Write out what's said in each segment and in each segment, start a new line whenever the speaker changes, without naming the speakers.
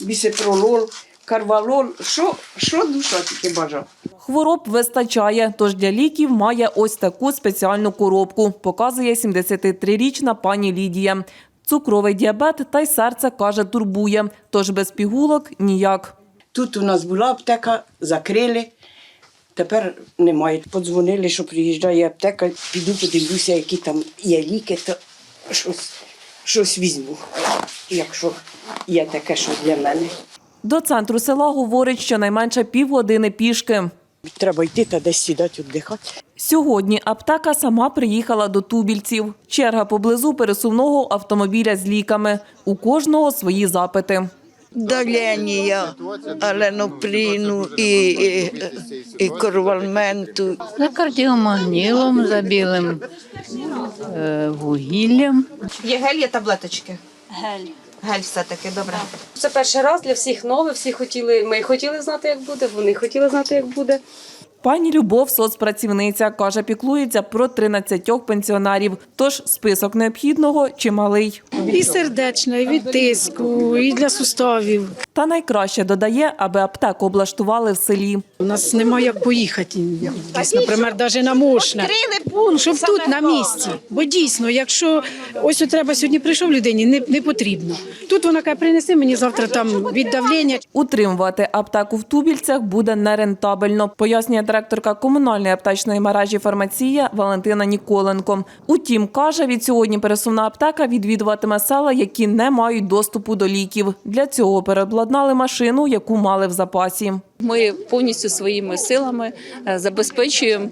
бісепролол, карвалол, що душа тільки бажав.
Хвороб вистачає, тож для ліків має ось таку спеціальну коробку, показує 73-річна пані Лідія. Цукровий діабет та й серце, каже, турбує, тож без пігулок – ніяк.
Тут у нас була аптека, закрили, тепер немає. Подзвонили, що приїжджає аптека, піду подивлюся, які там є ліки, то щось візьму, якщо є таке, що для мене.
До центру села, говорить, щонайменше півгодини пішки.
Треба йти та десь сідати, віддихати.
Сьогодні аптека сама приїхала до Тубільців. Черга поблизу пересувного автомобіля з ліками. У кожного свої запити.
Давлення, аленоприну і корвалменту.
За кардіомагнілом, за білим вугіллям.
Є гель, є таблеточки?
Гель.
Гель все-таки, добре.
Це перший раз для всіх нове, ми хотіли знати, як буде, вони хотіли знати, як буде.
Пані Любов – соцпрацівниця, каже, піклується про 13 пенсіонерів. Тож список необхідного чималий.
І сердечна, і від тиску, і для суставів.
Та найкраще додає, аби аптеку облаштували в селі.
У нас немає як поїхати, десь, наприклад, навіть на Мошне, щоб тут на місці. Бо дійсно, якщо ось треба сьогодні прийшов людині, не потрібно. Тут вона каже, принеси мені завтра там від давлення.
Утримувати аптеку в Тубільцях буде нерентабельно, пояснює директорка комунальної аптечної мережі «Фармація» Валентина Ніколенко. Утім, каже, від сьогодні пересувна аптека відвідуватиме села, які не мають доступу до ліків. Для цього переобладнали машину, яку мали в запасі.
Ми повністю своїми силами забезпечуємо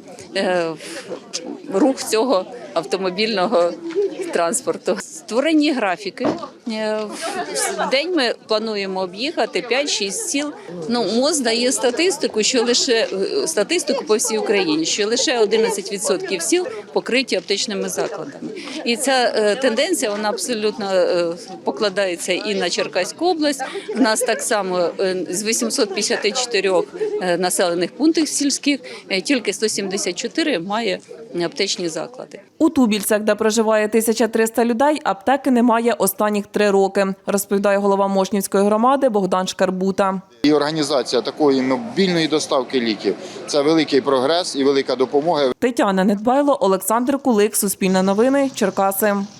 рух цього автомобільного транспорту. Створені графіки. В день ми плануємо об'їхати 5-6 сіл. МОЗ дає статистику по всій Україні, що лише 11% сіл покриті аптечними закладами. І ця тенденція, вона абсолютно покладається і на Черкаську область. У нас так само з 854 населених пунктів сільських тільки 174 має аптечні заклади.
У Тубільцях, де проживає 1300 людей, аптеки немає останніх 3 роки, розповідає голова Мошнівської громади Богдан Шкарбута.
І організація такої мобільної доставки ліків – це великий прогрес і велика допомога.
Тетяна Недбайло, Олександр Кулик, Суспільне новини, Черкаси.